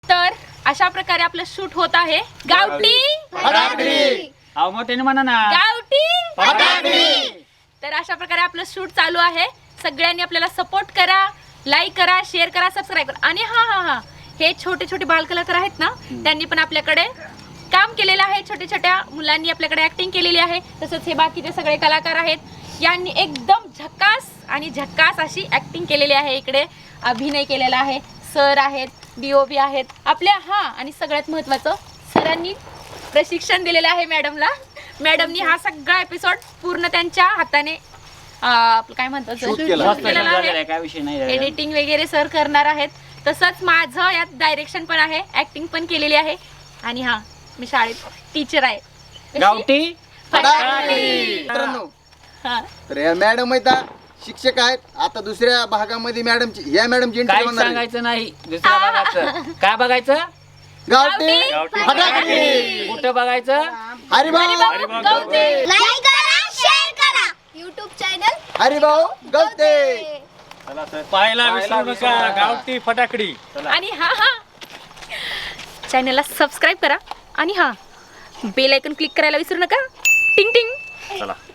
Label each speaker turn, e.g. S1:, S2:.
S1: तर अशा प्रकारे आपलं शूट होत आहे. गावठी
S2: फटाकडी.
S3: अहो मोठ्याने म्हणा ना.
S1: गावठी
S2: फटाकडी.
S1: तर अशा प्रकारे आपलं शूट चालू आहे. सगळ्यांनी आपल्याला सपोर्ट करा, लाईक करा, शेअर करा, सबस्क्राईब करा. आणि हा हे छोटे छोटे बालकलाकार आहेत ना, त्यांनी पण आपल्याकडे काम केलेलं आहे. छोट्या छोट्या मुलांनी आपल्याकडे ऍक्टिंग केलेली आहे. तसंच हे बाकीचे सगळे कलाकार आहेत, यांनी एकदम झकास अशी ऍक्टिंग केलेली आहे. इकडे अभिनय केलेला आहे. सर आहेत, DOP आहेत आपल्या. आणि सगळ्यात महत्त्वाचं, सरांनी प्रशिक्षण दिलेलं आहे मॅडमला. मॅडमनी हा सगळा एपिसोड पूर्ण त्यांच्या हाताने काय म्हणतात केलेला आहे.
S3: काय विषय नाही.
S1: एडिटिंग वगैरे सर करणार आहेत. तसंच माझं यात डायरेक्शन पण आहे, ऍक्टिंग पण केलेली आहे. आणि मी शाळेत टीचर आहे.
S3: गावठी
S2: फटाकडी. मित्रांनो, तर या मॅडम आहेत, शिक्षक आहेत. आता दुसऱ्या भागामध्ये मॅडमची या मॅडमची
S3: काय
S2: इंटरव्ह्यू
S3: सांगायचं नाही. दुसऱ्या बघायचं. काय बघायचं?
S2: गावठी फटाकडी.
S3: कुठं बघायचं?
S2: हरिभाऊ
S1: गवते.
S4: लाईक करा, शेअर करा. YouTube channel
S2: Haribhau Gavate.
S5: पाहायला विसरू नका गावठी फटाकडी.
S1: आणि चॅनलला सबस्क्राईब करा आणि बेल आयकॉन क्लिक करायला विसरू नका. टिंग टिंग.
S5: चला.